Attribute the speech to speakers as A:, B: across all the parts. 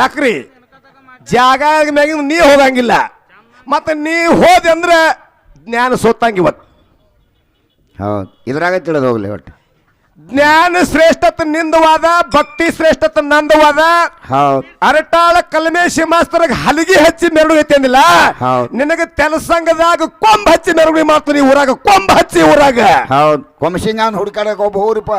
A: ಯಾಕ್ರಿ ಜಾಗ ಮ್ಯಾಗಿನ ನೀ ಹೋಗಂಗಿಲ್ಲ, ಮತ್ತೆ ನೀ ಹೋದೆ ಅಂದ್ರೆ ಜ್ಞಾನ ಸೋತಂಗ ಇವತ್ತು.
B: ಹೌದು, ಇದ್ರಾಗ ತಿಳಿದು ಹೋಗ್ಲಿ ಒಟ್ಟು.
A: ಜ್ಞಾನ ಶ್ರೇಷ್ಠತೆ ನಿಂದವಾದ, ಭಕ್ತಿ ಶ್ರೇಷ್ಠತೆ ನಂದವಾದ.
B: ಹೌದು,
A: ಅರಟಾಳ ಕಲ್ಮೇಶಿ ಮಾಸ್ತರ್ಗೆ ಹಲಗಿ ಹಚ್ಚಿ ಮೆರವಣಿಗೆ ಐತಿ ಅಂದಿಲ್ಲ, ನಿನಗೆ ತೆಲಸಂಗದಾಗ ಕೊಂಬ ಹಚ್ಚಿ ಮೆರವಣಿಗೆ ಮಾಡ್ತೀನಿ ಊರಾಗ, ಕೊಂಬ ಹಚ್ಚಿ ಊರಾಗ.
B: ಹೌದು, ಕೊಂಬಸಿಂಗ ಹುಡುಕಾಡಕ್ ಒಬ್ಬ ಹೋಗ್ರಿಪ್ಪ.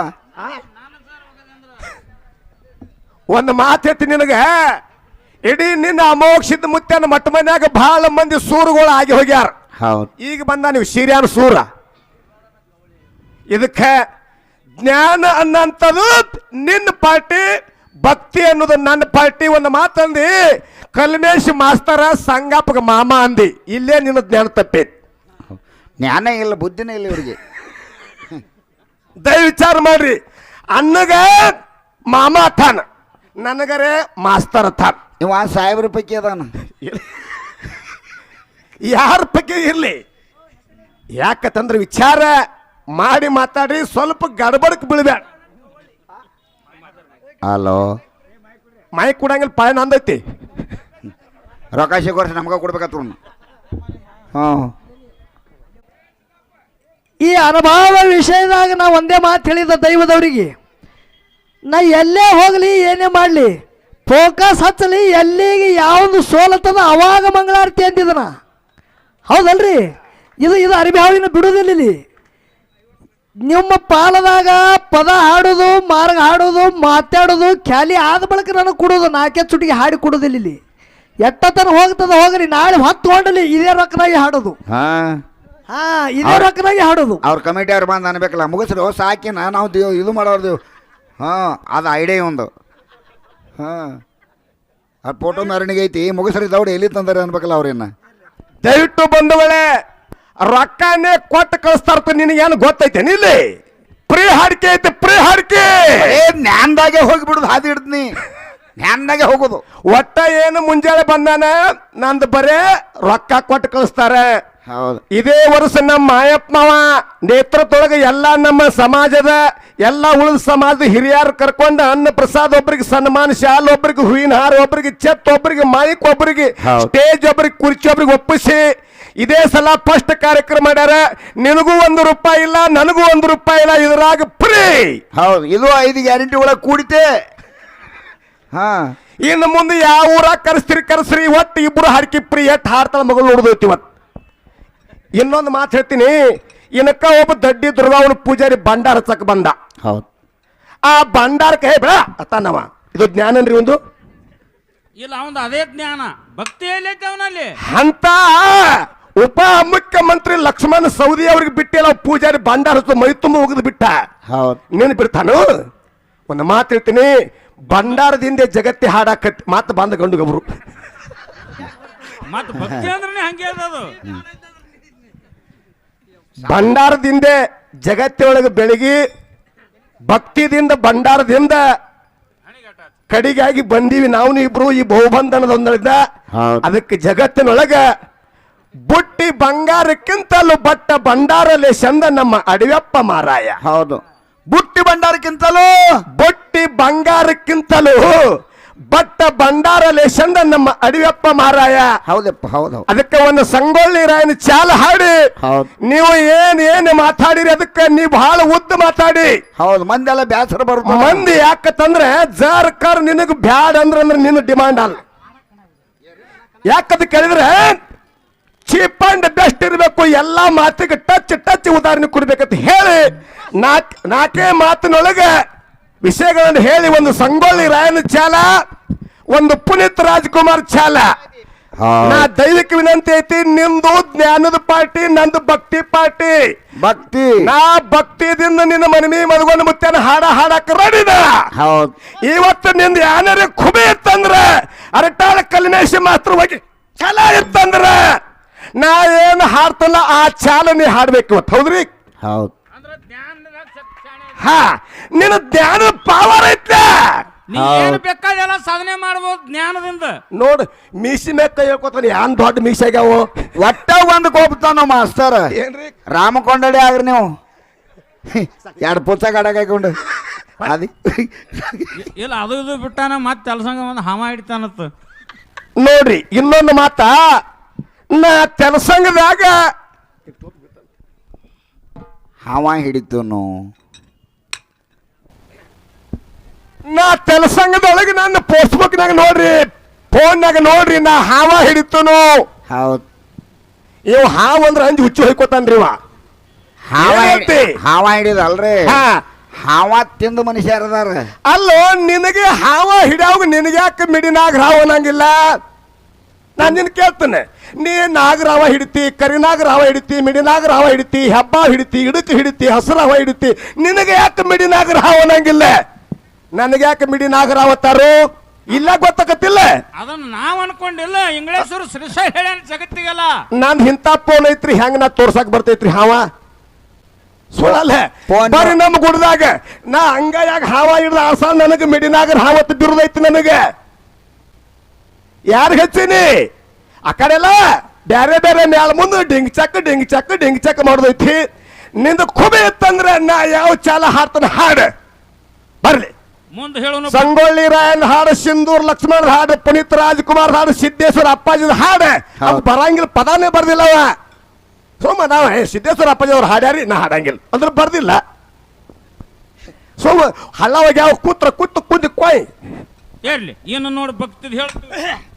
A: ಒಂದು ಮಾತು ಹೇಳ್ತೀನಿ ನಿನಗ, ಇಡೀ ನಿನ್ನ ಅಮೋಕ್ಷಿತ ಮುತ್ಯನ ಮಟ್ಟ ಮನ್ಯಾಗ ಬಹಳ ಮಂದಿ ಸೂರುಗಳು ಆಗಿ ಹೋಗ್ಯಾರ.
B: ಹೌದು,
A: ಈಗ ಬಂದ ನೀವು ಶಿರ್ಯಾನ ಸೂರ. ಇದಕ್ಕೆ ಜ್ಞಾನ ಅನ್ನಂಥದ್ದು ನಿನ್ನ ಪಾರ್ಟಿ, ಭಕ್ತಿ ಅನ್ನೋದು ನನ್ನ ಪಾರ್ಟಿ. ಒಂದು ಮಾತಂದಿ ಕಲ್ಮೇಶ್ ಮಾಸ್ತರ ಸಂಗಪ್ಪಗ ಮಾಮ ಅಂದಿ, ಇಲ್ಲೇ ನಿನ್ನ ಜ್ಞಾನ ತಪ್ಪೈತಿ.
B: ಜ್ಞಾನ ಇಲ್ಲ, ಬುದ್ಧಿನೇ ಇಲ್ಲ ಇವರಿಗೆ.
A: ದಯ ವಿಚಾರ ಮಾಡ್ರಿ. ಅನ್ನಗ ಮಾಮ ಅಥಾನ, ನನಗರೆ ಮಾಸ್ತರ್ ಅಥಾನ.
B: ಇವ ಸಾಹೇಬ್ರ ಪೈಕಿ ಅದಾನ.
A: ಯಾರ ಪೈಕಿ ಇರ್ಲಿ, ಯಾಕಂದ್ರೆ ವಿಚಾರ ಮಾಡಿ ಮಾತಾಡಿ, ಸ್ವಲ್ಪ ಗಡಬಡಕ್ ಬೀಳ್ಬೇಡ.
B: ಹಲೋ,
A: ಮೈ ಕೊಡಂಗಿಲ್ಲ, ಪಾಯ ನಂದೈತಿ.
B: ರೊಕ್ಕ ಸಿಗೋರ್ಸಿ ನಮ್ಗ ಕೊಡ್ಬೇಕತ್ತ. ಹಾಂ,
C: ಈ ಅನುಭವ ವಿಷಯದಾಗ ನಾ ಒಂದೇ ಮಾತು ಹೇಳಿದ ದೈವದವರಿಗೆ, ನಾ ಎಲ್ಲೇ ಹೋಗಲಿ ಏನೇ ಮಾಡಲಿ ಫೋಕಸ್ ಹಚ್ಚಲಿ, ಎಲ್ಲಿಗೆ ಯಾವುದು ಸೋಲತ್ತದ ಅವಾಗ ಮಂಗಳಾರತಿ ಅಂತಿದನ. ಹೌದಲ್ರಿ? ಇದು ಅರಿಭಾವಿನ ಬಿಡುವುದಿಲ್ಲ. ಇಲ್ಲಿ ನಿಮ್ಮ ಪಾಲದಾಗ ಪದ ಹಾಡೋದು, ಮಾರ್ಗ ಹಾಡೋದು, ಮಾತಾಡೋದು ಖಾಲಿ ಆದ ಬಳಿಕ ನನಗೆ ಕೊಡೋದು, ನಾಲ್ಕೇ ಚುಟಿಗೆ ಹಾಡಿ ಕೊಡೋದಿಲ್ಲ. ಇಲ್ಲಿ ಎಟ್ಟತನ ಹೋಗ್ತದ ಹೋಗ್ರಿ, ನಾಳೆ ಹೊತ್ತು ಹೊಂಡಲಿ ಇದೇ ರೊಕ್ಕನಾಗಿ ಹಾಡೋದು. ಇದೇ ರೊಕ್ಕನಾಗಿ ಹಾಡೋದು.
B: ಅವ್ರ ಕಮಿಟಿ ಅವ್ರು ಬಂದು ಅನ್ಬೇಕಲ್ಲ, ಮುಗಿಸ್ರು ಸಾಕಿನ ನಾವು ಇದು ಮಾಡೋರ್ದೇವು. ಹಾಂ, ಅದು ಐಡಿಯಾ ಒಂದು. ಹಾಂ, ಆ ಫೋಟೋ ಮೆರವಣಿಗೆ ಐತಿ, ಮುಗಿಸ್ರಿ ದೌಡಿ ಎಲ್ಲಿ ತಂದಾರೆ ಅನ್ಬೇಕಲ್ಲ ಅವ್ರೇನ.
A: ದಯವಿಟ್ಟು ಬಂಧುಗಳೇ, ರೊಕ್ಕನೇ ಕೊಟ್ಟು ಕಳಿಸ್ತಾರ. ನಿನಗೇನು ಗೊತ್ತೈತೇನು? ಇಲ್ಲಿ ಪ್ರೀ ಹಾಡಿಕೆ ಐತೆ, ಪ್ರೀ ಹಾಡಿಕೆ.
B: ಜ್ಞಾನದಾಗೆ ಹೋಗಿಬಿಡುದು, ಹಾದಿ ಹಿಡ್ತೀನಿ, ಜ್ಞಾನದಾಗೆ ಹೋಗೋದು.
A: ಒಟ್ಟ ಏನು ಮುಂಜಾನೆ ಬಂದಾನ, ನಂದು ಬರೇ ರೊಕ್ಕ ಕೊಟ್ಟು ಕಳಿಸ್ತಾರೆ.
B: ಹೌದು,
A: ಇದೇ ವರ್ಷ ನಮ್ಮ ಮಾಯಪ್ಪ ಮಾವ ನೇತೃತ್ವದೊಳಗೆ ಎಲ್ಲ ನಮ್ಮ ಸಮಾಜದ ಎಲ್ಲ ಉಳಿದ ಸಮಾಜದ ಹಿರಿಯರು ಕರ್ಕೊಂಡು ಅನ್ನ ಪ್ರಸಾದ್, ಒಬ್ಬರಿಗೆ ಸನ್ಮಾನ ಶಾಲ್, ಒಬ್ಬರಿಗೆ ಹೂವಿನ ಹಾರ, ಒಬ್ಬರಿಗೆ ಚೆತ್, ಒಬ್ಬರಿಗೆ ಮೈಕ್, ಒಬ್ಬರಿಗೆ ಸ್ಟೇಜ್, ಒಬ್ಬರಿಗೆ ಕುರ್ಚಿ, ಒಬ್ಬರಿಗೆ ಒಪ್ಪಿಸಿ ಇದೇ ಸಲ ಫಸ್ಟ್ ಕಾರ್ಯಕ್ರಮ ಮಾಡ್ಯಾರ. ನಿನಗೂ ₹1 ಇಲ್ಲ, ನನಗೂ ₹1 ಇಲ್ಲ, ಇದ್ರಾಗ ಫ್ರೀ.
B: ಹೌದು, ಇದು 5 ಗ್ಯಾರಂಟಿ ಒಳಗೆ ಕೂಡಿತೆ. ಹಾ,
A: ಇನ್ನು ಮುಂದೆ ಯಾವ ಊರಾಗ ಕರೆಸ್ರಿ, ಒಟ್ಟು ಇಬ್ಬರು ಹಾಡ್ಕಿ ಫ್ರೀ. ಎಟ್ಟು ಹಾಡ್ತಾಳ ಮಗಳು ನೋಡ್ದೈತಿ ಇವತ್ತು. ಇನ್ನೊಂದು ಮಾತು ಹೇಳ್ತೀನಿ, ಇನಕ್ಕ ಒಬ್ಬ ದಡ್ಡಿ ದುರ್ಗಾವನ ಪೂಜಾರಿ ಭಂಡಾರ ಹಚ್ಚಕ್ ಬಂದ.
B: ಹೌದು,
A: ಆ ಭಂಡಾರಕ್ಕೆ ಹೇ ಬೇಡ ಅತ್ತಾನವ, ಇದು ಜ್ಞಾನನ್ರಿ ಒಂದು
D: ಇಲ್ಲ, ಅವನು ಅದೇ ಜ್ಞಾನ, ಭಕ್ತಿ ಎಲ್ಲೈತೆ ಅವನಲ್ಲಿ
A: ಅಂತ. ಉಪ ಮುಖ್ಯಮಂತ್ರಿ ಲಕ್ಷ್ಮಣ ಸವದಿ ಅವ್ರಿಗೆ ಬಿಟ್ಟಿಲ್ಲ, ಪೂಜಾರಿ ಭಂಡಾರ ಹಚ್ಚು ಮೈ ತುಂಬ ಹೋಗದ್ ಬಿಟ್ಟ.
B: ಹೌದು,
A: ನೀನು ಬಿಡ್ತಾನು. ಒಂದು ಮಾತು ಹೇಳ್ತೀನಿ, ಭಂಡಾರದಿಂದ ಜಗತ್ತಿ ಹಾಡಾಕತ್ತಿ ಮಾತು ಬಂದ ಗಂಡು ಗಬ್ರು.
D: ಮತ್ತೆ ಭಕ್ತಿ ಅಂದ್ರೆ ಹಂಗೆ ಅದು.
A: ಭಂಡಾರದಿಂದ ಜಗತ್ತಿನೊಳಗೆ ಬೆಳಗಿ, ಭಕ್ತಿದಿಂದ ಭಂಡಾರದಿಂದ ಕಡಿಗಾಗಿ ಬಂದೀವಿ ನಾವು ಇಬ್ರು ಈ ಬಹುಬಂಧನದೊಂದಿದ್ದ. ಅದಕ್ಕೆ ಜಗತ್ತಿನೊಳಗ ಬುಟ್ಟಿ ಬಂಗಾರಕ್ಕಿಂತಲೂ ಬಟ್ಟ ಭಂಡಾರಲೆ ಚಂದ ನಮ್ಮ ಅಡವ್ಯಪ್ಪ ಮಾರಾಯ.
B: ಹೌದು, ಬುಟ್ಟಿ ಭಂಡಾರಕ್ಕಿಂತಲೂ
A: ಬುಟ್ಟಿ ಬಂಗಾರಕ್ಕಿಂತಲೂ ಬಟ್ಟ ಭಂಡಾರಲೆ ಚಂದ ನಮ್ಮ ಅಡವ್ಯಪ್ಪ ಮಾರಾಯ.
B: ಹೌದಪ್ಪ, ಹೌದು.
A: ಅದಕ್ಕೆ ಒಂದು ಸಂಗೊಳ್ಳಿ ರಾಯನ ಚಾಲ ಹಾಡಿ ನೀವು ಏನ್ ಮಾತಾಡಿರಿ, ಅದಕ್ಕೆ ನೀವು ಬಹಳ ಉದ್ದ ಮಾತಾಡಿ.
B: ಹೌದು, ಮಂದಿ ಎಲ್ಲ ಬ್ಯಾಸರ ಬರುತ್ತೆ.
A: ಮಂದಿ ಯಾಕಂದ್ರೆ ಜರ್ಕರ್ ನಿನಗ್ ಬ್ಯಾಡ್ ಅಂದ್ರೆ ನಿನ್ನ ಡಿಮಾಂಡ್ ಅಲ್ಲ. ಯಾಕಂತ ಕೇಳಿದ್ರೆ ಚೀಪ್ ಅಂಡ್ ಬೆಸ್ಟ್ ಇರಬೇಕು, ಎಲ್ಲಾ ಮಾತಿಗೆ ಟಚ್ ಉದಾಹರಣೆ ಕೊಡ್ಬೇಕಂತ ಹೇಳಿ ನಾಲ್ಕೇ ಮಾತಿನೊಳಗೆ ವಿಷಯಗಳನ್ನು ಹೇಳಿ ಒಂದು ಸಂಗೊಳ್ಳಿ ರಾಯನ ಚಾಲ, ಒಂದು ಪುನೀತ್ ರಾಜ್ಕುಮಾರ್ ಚಾಲ. ನಾ ದೈವಿಕ ವಿನಂತಿ ಐತಿ, ನಿಂದು ಜ್ಞಾನದ ಪಾರ್ಟಿ, ನಂದು ಭಕ್ತಿ ಪಾರ್ಟಿ.
B: ಭಕ್ತಿ,
A: ನಾ ಭಕ್ತಿದಿಂದ ನಿನ್ನ ಮನವಿ ಮದ್ಕೊಂಡು ಮುತ್ತೇನ ಹಾಡಕ್ ರೆಡಿದ. ಇವತ್ತು ನಿಂದ ಯಾರು ಖುಬಿ ಇತ್ತಂದ್ರ, ಅರಟಾಳ ಕಲ್ಮೇಶಿ ಮಾತ್ರ ಹೋಗಿ ಛಲ ಇತ್ತಂದ್ರ ನಾ ಏನು ಹಾಡ್ತಲ್ಲ ಆ ಚಾಲ ನೀ ಹಾಡ್ಬೇಕು ಇವತ್ತು. ಹೌದ್ರಿ?
B: ಹೌದು.
A: ಹಾ, ನಿನ್ನ ಜ್ಞಾನದ ಪವರ್ ಐತ್ಲ.
D: ಏನು ಬೇಕಾದೆಲ್ಲ ಸಾಧನೆ ಮಾಡಬಹುದು ಜ್ಞಾನದಿಂದ.
A: ನೋಡು, ಮೀಸಿ ಮೇಕ ಹೇಳ್ಕೊತಾನೆ, ಯಾನ್ ದೊಡ್ಡ ಮೀಸಿ ಆಗ್ಯಾವ.
B: ಒಟ್ಟ ಒಂದು ಕೋಪತಾನ ಮಾಸ್ತರ.
A: ಏನ್ರಿ
B: ರಾಮಕೊಂಡಡಿ ಆಗ್ರಿ ನೀವು, 2 ಪುಸ್ತಕ ಹಾಕೊಂಡು ಅದು
D: ಇಲ್ಲ ಅದು ಇದು ಬಿಟ್ಟಾನ ಮತ್ತೆ ತೆಲಸಂಗ ಒಂದು ಹಾವ ಹಿಡಿತಾನತ್ತ.
A: ನೋಡ್ರಿ ಇನ್ನೊಂದು ಮಾತ, ನಾ ತೆಲಸಂಗದಾಗ
B: ಹಾವ ಹಿಡಿತನು.
A: ನಾ ತೆಲಸಂಗದೊಳಗೆ ನನ್ನ ಫೇಸ್ಬುಕ್ನಾಗ ನೋಡ್ರಿ, ಫೋನ್ನಾಗ ನೋಡ್ರಿ, ನಾ ಹಾವ ಹಿಡಿತನು.
B: ಹೌದು,
A: ಇವ್ ಹಾವ್ ಅಂದ್ರೆ ಅಂಜಿ ಹುಚ್ಚು ಹೊಯ್ಕೋತಾನ್ರಿ ಇವ.
B: ಹಾವ
A: ಏನಂತಿ?
B: ಹಾವ ಹಿಡಿದಲ್ರಿ,
A: ಹಾ.
B: ಹಾವ ತಿಂದು ಮನುಷ್ಯರ ಅದಾರ.
A: ಅಲ್ಲೋ ನಿನಗೆ ಹಾವ ಹಿಡಿಯೋಗ ನಿನಗೆ ಯಾಕೆ ಮಿಡಿನಾಗ ಹಾವ ಅನ್ನಂಗಿಲ್ಲ? ನಾನು ನಿನ್ ಕೇಳ್ತೇನೆ, ನೀ ನಾಗರಾವ ಹಿಡಿತಿ, ಕರಿನಾಗರಾವ ಹಿಡಿತಿ, ಮಿಡಿನಾಗರಾವ ಹಿಡಿತಿ, ಹೆಬ್ಬ ಹಿಡಿತಿ, ಇಡಕ್ ಹಿಡಿತಿ, ಹಸರಾವ ಹಿಡಿತಿ, ನಿನಗೆ ಯಾಕೆ ಮಿಡಿನಾಗರಾವ ಅನ್ನಂಗಿಲ್ಲ? ನನಗೆ ಯಾಕೆ ಮಿಡಿನಾಗರಾವತ್ತಾರು ಇಲ್ಲ ಗೊತ್ತಾಗತ್ತಿಲ್ಲ?
D: ಅದನ್ನ ನಾವ್ ಅನ್ಕೊಂಡಿಲ್ಲ, ಇಂಗ್ಲೇಶ್ವರು ಶ್ರೀಶ ಹೇಳ್ಯಾನ ಜಗತ್ತಿಗೆಲ್ಲ.
A: ನಾನ್ ಇಂಥ ಫೋನ್ ಐತ್ರಿ, ಹೆಂಗ್ ನಾ ತೋರ್ಸಾಕ್ ಬರ್ತೈತ್ರಿ ಹಾವ? ಸುಳ್ಳಲ್ಲ.
B: ಫೋನ್
A: ಬರ್ರಿ ನಮ್ಮ ಗುಡ್ದಾಗ ನಾ ಹಂಗಾಯಾಗ ಹಾವ ಹಿಡ್ದ ಆಸ ನನಗೆ ಮಿಡಿನಾಗರ ಹಾವತ್ತು ಬಿರುದೈತಿ ನನಗೆ. ಯಾರು ಹೆಚ್ಚಿನಿ ಆ ಕಡೆಲ್ಲ ಬೇರೆ ಬೇರೆ ಮ್ಯಾಲ ಮುಂದೆ ಡಿಂಗ್ ಚಕ್ ಮಾಡೋದೈತಿ. ನಿಂದ ಖುಬೆ ಇತ್ತಂದ್ರೆ ನಾ ಯಾವ ಚಾಲ ಹಾಡ್ತಾನೆ ಹಾಡು ಬರ್ಲಿ.
D: ಮುಂದೆ ಹೇಳೋನು
A: ಸಂಗೊಳ್ಳಿ ರಾಯನ್ ಹಾಡು, ಸಿಂಧೂರ್ ಲಕ್ಷ್ಮಣ್ ಹಾಡು, ಪುನೀತ್ ರಾಜ್ಕುಮಾರ್ ಹಾಡು, ಸಿದ್ದೇಶ್ವರ ಅಪ್ಪಾಜಿದ ಹಾಡು. ಅದು ಬರಂಗಿಲ್ಲ, ಪದಾನೇ ಬರ್ದಿಲ್ಲ ಅವ. ಸೋಮ ನಾವು ಸಿದ್ದೇಶ್ವರ ಅಪ್ಪಾಜಿ ಅವ್ರು ಹಾಡ್ಯಾರಿ, ನಾ ಹಾಡಂಗಿಲ್ಲ ಅಂದ್ರೆ ಬರ್ದಿಲ್ಲ. ಸೋಮ ಹಳ್ಳವಾಗ ಯಾವ ಕೂತ್ರ ಕೂತು ಕುಂದಿ ಕೊಯ್
D: ಹೇಳಿ ಏನು ನೋಡಿ ಭಕ್ತಿದ್ ಹೇಳ್ತೀವಿ.